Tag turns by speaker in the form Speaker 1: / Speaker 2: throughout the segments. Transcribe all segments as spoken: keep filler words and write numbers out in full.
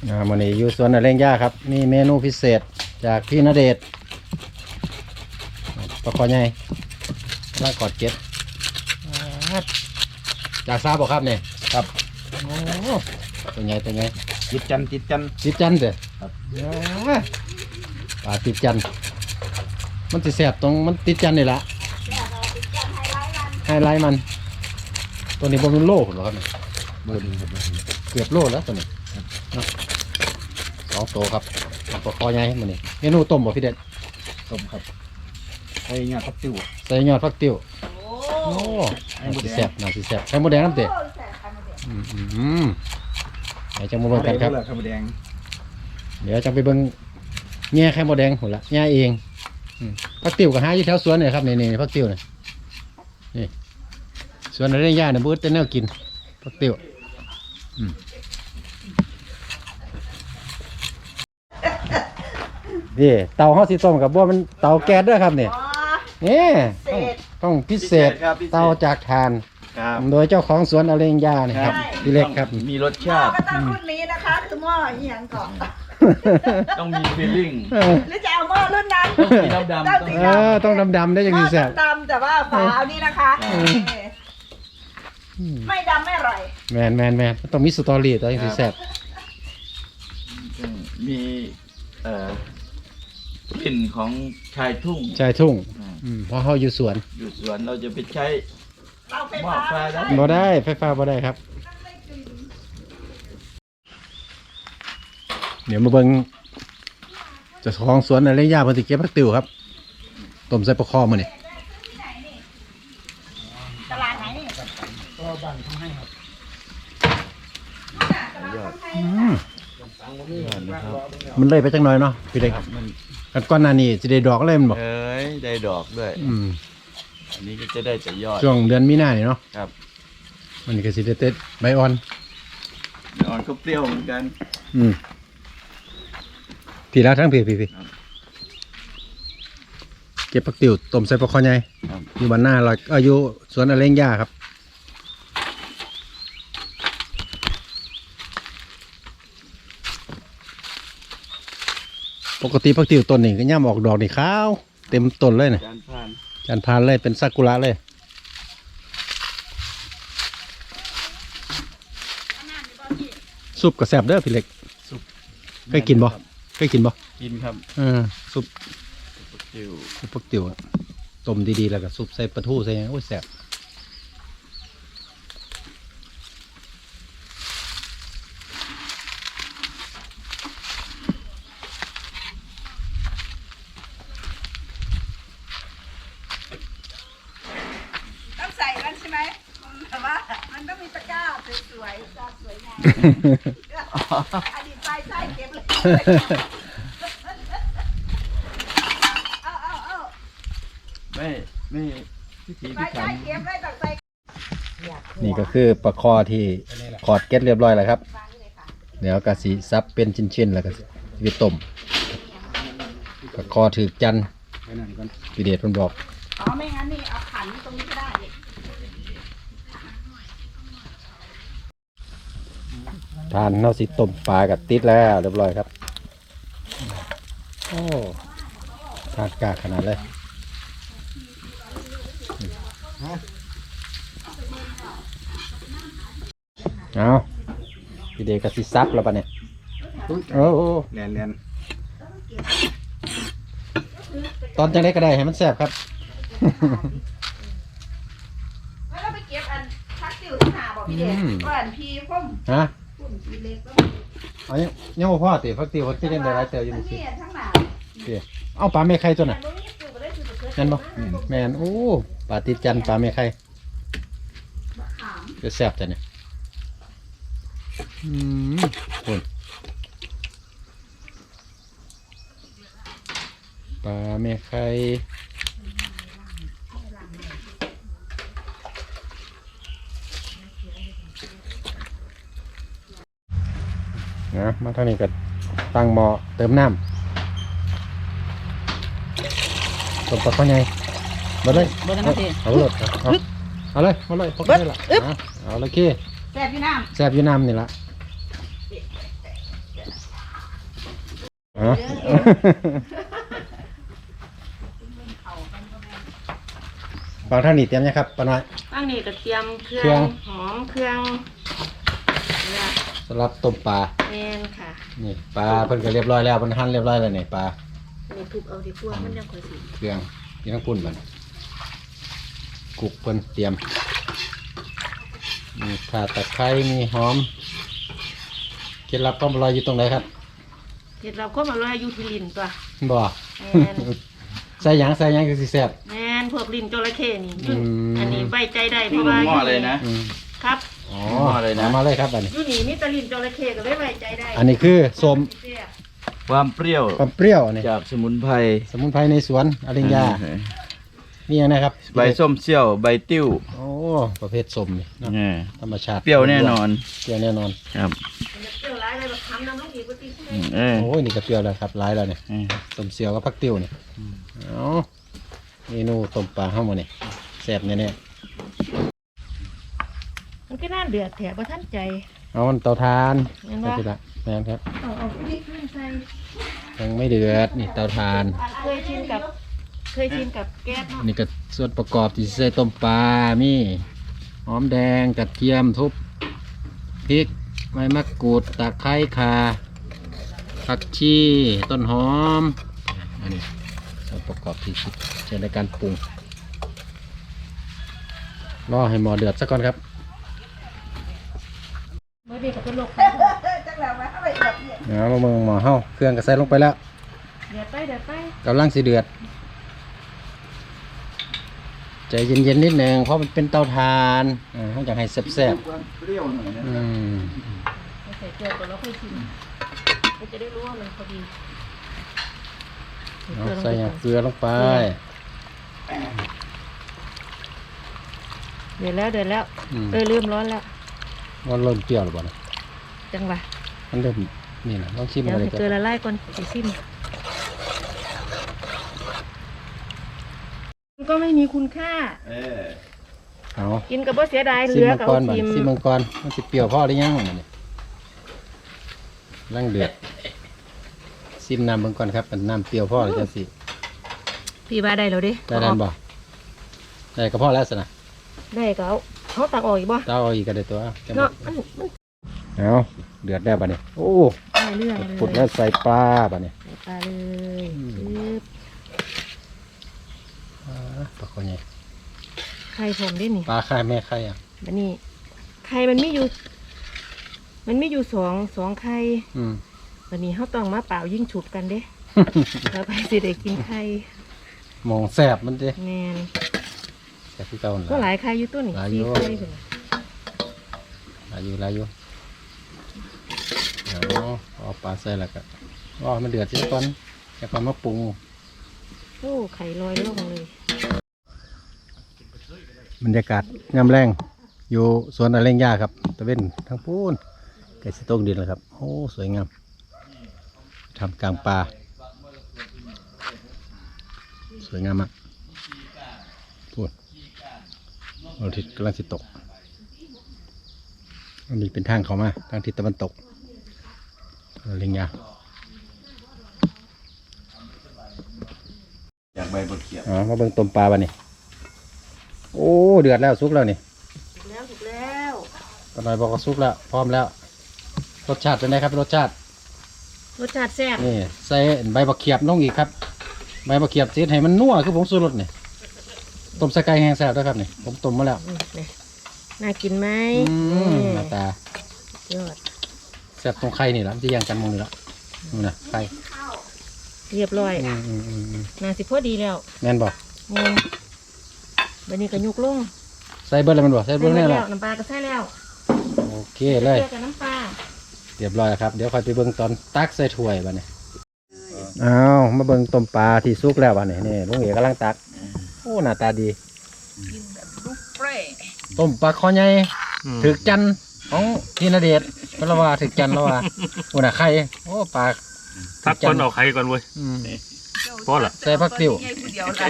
Speaker 1: อ่าวันนี้อยู่สวนอเร่งย่าครับมีเมนูพิเศษจากพี่ณเดชน์ปลาคอใหญ่ลากกอดเก็ดจากซาบอกครับเนี่ยครับโอ้ตัวใหญ่ตัวใหญ่
Speaker 2: จิตจันจิตจัน
Speaker 1: ติดจันเด้อ
Speaker 2: ครับ
Speaker 1: ปลาติดจันมันจะแสบตรงมันติดจันนี่ละไฮไลท์มันตัวนี้บนมันโลหรอครับเนี่ย
Speaker 2: เบอร์หนึ่งครับเบอร์หนึ่ง
Speaker 1: เกือบโลแล้วตัวนี้เนาะสองตัวครับปลาคอใหญ่มันนี่เมนูต้มบ่พี่เด็ด
Speaker 2: ต้มครับไอ้ยอดพักติ้ว
Speaker 1: ใส่ยอดฟักติ้ว
Speaker 3: โอ้
Speaker 1: โอ้น่าสิแซ่บน่าสิแซ่บไข่มดแดงน้ำเตะอืมอืมอืมเดี๋ยวจะมาเบิ่งกันครับ
Speaker 2: ไข่มดแดง
Speaker 1: เดี๋ยวจะไปเบิ่งแง่ไข่มดแดงหุ่นละแง่เองอืมฟักติ้วก็หาอยู่แถวสวนเนี่ยครับนี่นี่ฟักติ้วเนี่ยนี่สวนอะไรย่าเนี่ยบูธเต้นแนวกินฟักติ้วอืมนี่เตาเฮาสิต้มกับบัวมันเตาแก๊สด้วยครับเนี่ย
Speaker 3: อ๋อ
Speaker 1: นี่
Speaker 3: เศ
Speaker 1: ต้อง
Speaker 3: ษ
Speaker 1: ต้องพิเศษเตาจากถ่าน
Speaker 2: ครับ
Speaker 1: โดยเจ้าของสวนอเรงยาเนี่ยครับพี่เล็กครับ
Speaker 2: มีรส
Speaker 3: หม้อ
Speaker 2: ชาติ
Speaker 3: ก็ต้องรุ่นนี้นะคะ คือหม้ออีหยังก่อน
Speaker 2: ต้องมีฟีลลิ่ง
Speaker 3: หรือจะเอาหม้อรุ่นนั้น
Speaker 2: ต้องสีดำๆ
Speaker 3: ต้องสี
Speaker 1: เออต้องดำๆได้ยัง
Speaker 3: หม้
Speaker 1: ดี
Speaker 3: อ
Speaker 1: แซ่บ
Speaker 3: ดำๆแต่ว่าฝาเอานี่นะคะไม่ดำไม่อร่อย
Speaker 1: แมนแมนแมนต้องมีสตอรี่ตัวยังดีแซ่บ
Speaker 2: มีเอ่อกลิ่นของชายทุ่ง
Speaker 1: ชายทุ่ง
Speaker 2: อ่า
Speaker 1: อืมเพราะเขาอยู่สวน
Speaker 2: อยู่สวนเราจะไปใช้
Speaker 3: เราไฟ
Speaker 2: หม้อ
Speaker 3: ฟ้า
Speaker 2: ไฟได้
Speaker 1: บ่ได้ไฟฟ้าบ่ได้ครับ เดี๋ยวมาเบิ่งเจ้าของสวนอเรงยาเพิ่นสิเก็บผักติ๋วครับต้มใส่ปลาคอมื้อนี่
Speaker 3: ตลาดไหนนี่
Speaker 2: ก็บ้านเขาให้ครับ
Speaker 1: อืมมันเลยไปจังหน่อยเนาะพี่เล็ก
Speaker 2: มัน
Speaker 1: กันก่อนหน้านี้สิได้ดอกเลยมันบ่
Speaker 2: เอ้ยได้ดอกด้วย
Speaker 1: อืม
Speaker 2: อันนี้ก็จะได้แต่ยอด
Speaker 1: ช่วงเดือนมีนานี่เนาะ
Speaker 2: ครับ
Speaker 1: มันก็สิได้เต็ดใบอ่อน
Speaker 2: อ่อนก็เปรี้ยวเหมือนกัน
Speaker 1: อืมพี่แล้วทั้งพี่พี่พี่
Speaker 2: ครับ
Speaker 1: เก็บผักติ๋วต้มใส่ปลาคอใหญ่
Speaker 2: ครับ
Speaker 1: อยู่บ้านหน้าเราอายุสวนอเรงยาครับปกติผักติ๋วต้นนี่ก็ย่ำออกดอกนี่ขาวเต็มต้นเลยนะ
Speaker 2: จานผ่าน
Speaker 1: จานพานเลยเป็นซากุระเลยซุปกระแซบเด้อพี่เล็ก
Speaker 2: ซุป
Speaker 1: เคยกินบ่เคยกินบ่
Speaker 2: กินครับ
Speaker 1: เออซุป
Speaker 2: จิ๋ว
Speaker 1: ซุปผักติ๋วต้มดีๆแล้วก็ซุปใส่ปลาทูใส่หยังโอ้ยแซ่บ
Speaker 3: ต้องใส่กันใช่ไหมแต่ว่ามันต้องมีตะกร้าสวยๆตาสวยงามอดีตไฟใส่เก็บเลยเอาเอาเอา
Speaker 2: ไม่ไม่พิถี
Speaker 3: ไฟ
Speaker 2: พิถั
Speaker 3: ใส่
Speaker 2: น
Speaker 3: เก็บเลยตักใส่
Speaker 1: นี่ก็คือปลาคอที่ขอดเก็ดเรียบร้อยแล้วครับ เดี๋ยวกะสีซับเป็นชิ้นๆแล้วก็สิไปต้มปลาคอถือจันทร์พี่เดชมันบอก
Speaker 3: อ๋อไม่งั้นนี่เอาขันตรงนี้ก็ได้นี่
Speaker 1: ทานเนาสิต้มปลากับติดแล้วเรียบร้อยครับโอ้ทานกากขนาดเลยเอาพี่เดชกะสิซับแล้วปะเนี่ยโอ้โห
Speaker 2: แน่นแน่น
Speaker 1: ตอนจังได้ก็ได้ให้มันแซ่บครับ
Speaker 3: แล้วเราไปเก็บอันพักติวที่หาบอกพี่เด็ก
Speaker 1: อืม
Speaker 3: ก่อนพี่พุ่ม
Speaker 1: ฮะ
Speaker 3: พุ่มพี่เล็กก็
Speaker 1: เอายังยังบ่พอติฟักติฟักติยังได้หลายเต๋ออยู่
Speaker 3: ทั้
Speaker 1: มั้
Speaker 3: ง
Speaker 1: งสิ
Speaker 3: นี้ทั้งหนา
Speaker 1: เดี๋ยวเอาปลาเมฆไข่ตัวน่ะ
Speaker 3: แต่บ่มีสูตรบ่ได้สูตรเกิด
Speaker 1: แม่นบ่แม่นโอ้ปลาติดจันทร์ปลาเมฆไข่
Speaker 3: บักขาม
Speaker 1: จะแซ่บจ้ะเนี่ยอืมคุณปลาเมฆไข่นะมาทางนี้ก็ตั้งหม้อเติมน้ำต้มปลาข้าวใหญ่มาเลย
Speaker 3: เบิดนะพี่
Speaker 1: เอาเลยเอาเอาเลยเอาเลยพกได้ละเอาเอาเลยขี้
Speaker 3: แซ่บพี่น้
Speaker 1: แซ่บอยูน้ำนี่ละอ๋อ ฟังท่านนี่เตรียมยังครับป้าน้อย
Speaker 4: ตั้งนี่ก็เตรียมเครื่
Speaker 1: เครื่
Speaker 4: อ
Speaker 1: อง
Speaker 4: งหอมเครื่องเนี่ย
Speaker 1: สำหรับต้มปลา
Speaker 4: แมนค่ะ
Speaker 1: นี่ปลาเพิ่นก็เรียบร้อยแล้วเพิ่นหั่นเรียบร้อยแล้วนี่ปลา
Speaker 4: อันนี้ทุบเอาดีกว่ามันยังค่อยสิ
Speaker 1: เครื่องนี่ทั้งปุ่นมันกุกเพิ่นเตรียมมีข่าตะไคร้มีหอมเคล็ดลับความอร่อยอยู่ตรงไหนครับ
Speaker 4: เห็ดเราก็มาลอยอยู่ที่ลิ้นตัว
Speaker 1: บ่
Speaker 4: แม่น
Speaker 1: ใส่หยังใส่หยังคือสิแซ่บ
Speaker 4: แมนพวกลิ้นจระเข้นี่
Speaker 1: อืม
Speaker 4: อันนี้ไว้ใจได้เพ
Speaker 2: นี่
Speaker 4: ราะ
Speaker 2: ล
Speaker 4: ว่าง
Speaker 2: หม้อเลยนะ
Speaker 1: อืม
Speaker 4: ครับ
Speaker 1: อ๋อ
Speaker 2: มาเลยนะ
Speaker 1: มาเลยครับอันนี้
Speaker 4: อยู่นี่มีแตะลิ้นจระเข้ก็เลยไว้ใจได้
Speaker 1: อันนี้คือส้ม
Speaker 2: ความเปรี้ยว
Speaker 1: ความเปรี้ยวอันนี้
Speaker 2: จากสมุนไพร
Speaker 1: สมุนไพรในสวนอริญญานี่ยังนะครับ
Speaker 2: ใบส้มเซี่ยวใบติ้ว
Speaker 1: โอ้ประเภทส้มนี่เนาะ
Speaker 2: เนี่ย
Speaker 1: ธรรมชาติ
Speaker 2: เปรี้ยวแน่นอน
Speaker 1: เปรี้ยวแน่นอน
Speaker 2: ครับ
Speaker 4: เปรี้ยวร้ายเลยแบบทำน้ำลูกอีกปกติใช่ไหม
Speaker 2: อืมเออ
Speaker 1: โอ้ยนี่ก็เปรี้ยวแล้วครับร้ายแล้วเนี่ย
Speaker 2: เออ
Speaker 1: ต้มเสียวกับผักติ้วเนี่ยเอาเมนูต้มปลาเข้ามาเนี่ยแซ่บแน่
Speaker 4: มันก็น่าเดือดแถบว่าท่านใจ
Speaker 1: ๆเอามันเตาทาน
Speaker 4: เห็น
Speaker 1: ไป
Speaker 4: ปะ
Speaker 1: สิละแม่นครับ
Speaker 4: เอาเอาพริกขึ้นใส่
Speaker 1: ยังไม่เดือดนี่เตาทาน
Speaker 4: เคยชินกับเคยชินกับแก๊สเนาะ
Speaker 1: นี่ก็ส่วนประกอบที่ใส่ต้มปลามีหอมแดงกระเทียมทุบพริกใบมะกรูดตะไคร้ข่าผักชีต้นหอมอันนี้ส่วนประกอบที่ใช้ในการปรุงรอให้หม้อเดือดสักก่อนครับ
Speaker 4: เมื่อเด็กกับเป็นโรค
Speaker 3: จังแล้วมาเอาไปแบบนี้
Speaker 1: เอามาเมืองหม้อเฮาเครื่องก็ใส่ลงไปแล้ว
Speaker 4: เดือดไปเดือดไป
Speaker 1: กำลังสิเดือดใจเย็นๆนิดหนึ่งเพราะมันเป็นเตาถ่านอ่าเขาอยากให้แซ่บ
Speaker 2: เปรี้ยวหน่อยนะ
Speaker 1: ๆอืม
Speaker 4: ใส่เกลือก่อนแล้วค่อยชิมมันจะได้รู้ว่ามันพอดี
Speaker 1: เอาใส่อย่างเกลือลงไป
Speaker 4: เดือดแล้วเดือดแล้ว
Speaker 1: อืม
Speaker 4: เออเริ่มร้อนแล้ว
Speaker 1: มันเริ่มเปรี้ยวหรือเปล่านะ
Speaker 4: จังหวะ
Speaker 1: มันเริ่มนี่นะลองชิม
Speaker 4: เดี๋ยว
Speaker 1: อะไร
Speaker 4: ให้
Speaker 1: ก่อ
Speaker 4: เกลือน ละลายก่อนสิชิมมันก็ไม่มีคุณค่า
Speaker 2: เออ
Speaker 1: เอา
Speaker 4: กินกับว่าเสียดายเห
Speaker 1: ซิ
Speaker 4: ลื
Speaker 1: ม
Speaker 4: อ
Speaker 1: มัง
Speaker 4: กับ
Speaker 1: ก
Speaker 4: เอา
Speaker 1: รบ่
Speaker 4: ทิม
Speaker 1: ซิมมังกรมันสิเปรี้ยวพอหรือยังอันนี้ร่างเดือดซิมน้ำมังกรครับมันน้ำเปรี้ยวพอหรือจะสิ
Speaker 4: พี่ว่าได้แล้วดิ
Speaker 1: ได้แล้วบ่ได้ก็พอแล้วสินะ
Speaker 4: ได้ก็เอาเขาตักออกอีกบ่
Speaker 1: เต้าเอาอีกก็ได้ตัวจังหวะ
Speaker 4: เนาะมันมัน
Speaker 1: เอาเดือดแล้วบัดนี้โอ้
Speaker 4: ได้เรื่องเลย
Speaker 1: ปุดแล้วใส่ปลาบัดนี้
Speaker 4: ใส่ปลาเลย
Speaker 1: อืม
Speaker 4: ปึ๊บ
Speaker 1: อ่าปลาคอใหญ่
Speaker 4: ไข่ผมได้นี่
Speaker 1: ปลาไข่แม่ไข่อ่ะ
Speaker 4: บัดนี้ไข่มันมีอยู่ มันมีอยู่สองสองไข่
Speaker 1: อืม
Speaker 4: วันนี้เขาต้องมาเปล่ายิ่งฉุบกันเด้ แล้วไปสิได้กินไข่
Speaker 1: มองแสบมันดิ
Speaker 4: แมน
Speaker 1: แสบที่เก่า
Speaker 4: ก็หลายไข่อยู่ตัวนี่
Speaker 1: หลายอยู่
Speaker 4: สี่ไข่ถึง
Speaker 1: หลายอยู่หลายอยู่เอาเอาปลาใส่แล้วก็รอให้มันเดือดสิก่อนแล้วก็มาปรุง
Speaker 4: โอ้ไข่ลอยล่องเลย
Speaker 1: บรรยากาศงามแรงอยู่สวนอเร่งยาครับตะเวนทั้งปูนไก่สตงดินเลยครับโอ้สวยงามทำกลางป่าสวยงามมากพูดเราทิศกำลังสิตกอันนี้เป็นทางเขามาทางทิศตะวันตกอเร่งยา
Speaker 2: อยากใบบักเขียบ
Speaker 1: อ๋อมาเบิ่งต้มปลาบ้านี่โอ้เดือดแล้วสุกแล้วนี่
Speaker 4: ถูกแล้วถูกแล้ว
Speaker 1: ตอนนี้บอกว่าสุกแล้วพร้อมแล้วรสชาติเป็นไงครับรสชาติ
Speaker 4: รสชาติแซ่บ
Speaker 1: นี่ใส่ใบบักเขียบลงอีกครับใบบักเขียบเสียให้มันนัวคือผงชูรสนี่ต้มใส่ไก่แห้งแซ่บด้วยครับนี่ผมต้มมาแล้ว
Speaker 4: อืมนี่น่ากินไหม
Speaker 1: อืม
Speaker 4: นี่
Speaker 1: หน้าตาย
Speaker 4: อด
Speaker 1: แซ่บตรงไข่นี่แหละมันจะย่างกันมองนี่ละนี่นะไข่
Speaker 4: เรียบร้อย
Speaker 1: อืมอืมอืมอืม
Speaker 4: น่าสิพอดีแล้ว
Speaker 1: แม่นบอก
Speaker 4: งงวันนี้ก็ยุกลง
Speaker 1: ใส่เบิร์ดแล้วมันบอกใส่เบิร์ด
Speaker 4: ใส่
Speaker 1: แน่
Speaker 4: หมด
Speaker 1: แล้
Speaker 4: แล้ว วน้ำปลาก็ใส่แล้ว
Speaker 1: โอเคเลย
Speaker 4: เกลือกับน้ำปลา
Speaker 1: เรียบร้อยแล้วครับเดี๋ยวค่อยไปเบิ่งตอนตักใส่ถ้วยบ้านี่อ้าวมาเบิ่งต้มปลาที่สุกแล้วบ้านี่นี่ลุงเอกกำลังตักโอ้หน้าตาดี
Speaker 3: กินแบบบุฟเฟ่ต์
Speaker 1: ต้มปลาคอใหญ่ถึกจันทร์ของพี่ณเดชน์เพราะว่าถึกจันทร์แล้วว่าโอ้น่ะไข่โอ้ปลา
Speaker 5: ทักก่อนเอาใครก่อนเว้ย
Speaker 1: อืม
Speaker 5: พอละ
Speaker 1: ใส่ผักติ๋ว
Speaker 3: ใหญ่ผู้เดียวหลาย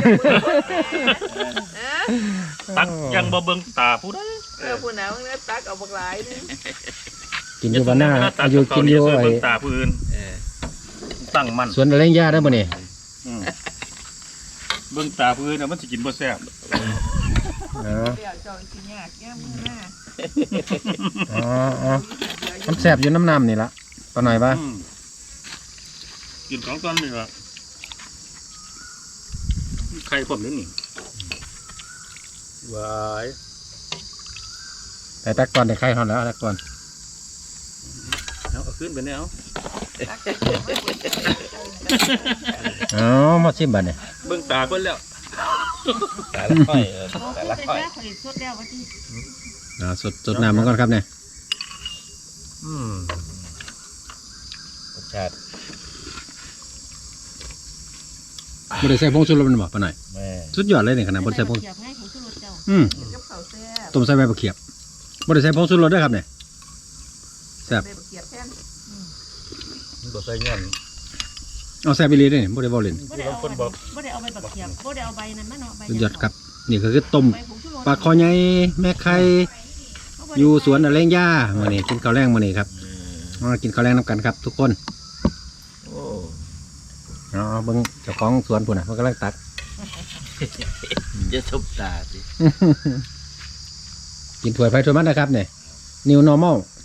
Speaker 3: เออ
Speaker 5: ตักยังบ่เบิ่งตาผู้ใด
Speaker 3: เออผู้หนาวเนี่ยตักเอาบักหลายนี่
Speaker 1: กินอยู่บ้านหน้าอายุกินอยู่
Speaker 5: เบิ่
Speaker 1: ไอ้
Speaker 5: งตาผู้อื่น
Speaker 2: เออ
Speaker 5: ตั้งมั่น
Speaker 1: สวนอะไรย่าได้บ่นี่
Speaker 5: อืมเบิ่งตาผู้อื่นน่ะมันสิกินบ่แซ่บ
Speaker 1: อ๋อ
Speaker 3: เดี๋ยวจองกินยากแก้มือหน้า
Speaker 1: อ๋ออ๋อน้ำแซ่บอยู่น้ำน้ำนี่ละปะหน่อยป่ะ
Speaker 5: อืมกินของตอนนี้ล่ะไข่ผมนี่นี่วาย
Speaker 1: แต่ตักก่อนได้ไข่ทอนแล้วตักก่อน
Speaker 5: เอาเอาขึ้นไปเนี่ยเอา
Speaker 1: อ๋อมาชิมบัดเนี่ย
Speaker 5: เบิ่งตาคนแล้ว
Speaker 2: แต่ละค่อยเออ
Speaker 4: โอ้
Speaker 2: แต่
Speaker 4: ย
Speaker 2: ละ
Speaker 4: ไป
Speaker 2: ค่อย
Speaker 4: แซ่ข่อยสดแล้วว่าที่
Speaker 1: อ่าสดสดน้ำมันก่อนครับเนี่ย
Speaker 5: อืม
Speaker 2: รสชาติ
Speaker 1: บ่ได้ใส่ผงชูรสมันบ่ปะหน่อย
Speaker 2: แม่
Speaker 1: สุดยอดเลยเนี่ยขนาดบ่ได้ใส่ผง
Speaker 4: เสียบให้ของชูรสเจ้า
Speaker 1: อืม
Speaker 3: กับเขาวแซ่บ
Speaker 1: ต้มใส่ใบมะเขียบบ่ได้ใส่ผงชูรสด้วยครับเนี่ยแซ่บ
Speaker 3: ใบบักเขียบแทน
Speaker 5: มันก็ใส่เงี้ย
Speaker 1: เอาแซ่บไปเลยด้วยนี่บ่ได้บ่เล่น
Speaker 4: บ่ได้เอาใบบ่ได้เอาใบบักเขียบบ่ได้เอาใบนั้นมาเนาะใบ
Speaker 1: สุดยอดครับนี่ก็คือต้ม
Speaker 4: ใบผงชูรส
Speaker 1: ปลาคอใหญ่แม่ไข่อยู่สวนอะไรย่ามื้อนี้กินข้าวแรงมื้อนี้ครับ
Speaker 2: อืม
Speaker 1: มากินข้าวแรงนํกันครับ ทุกคน
Speaker 2: โอ้
Speaker 1: อ๋อเบิ่งเจ้าของสวนพุ่นน่ะมันกำลังตัก
Speaker 2: จะทุบตาสิ
Speaker 1: กินถ้วยไฟถ้วยมันนะครับเนี่ย new normal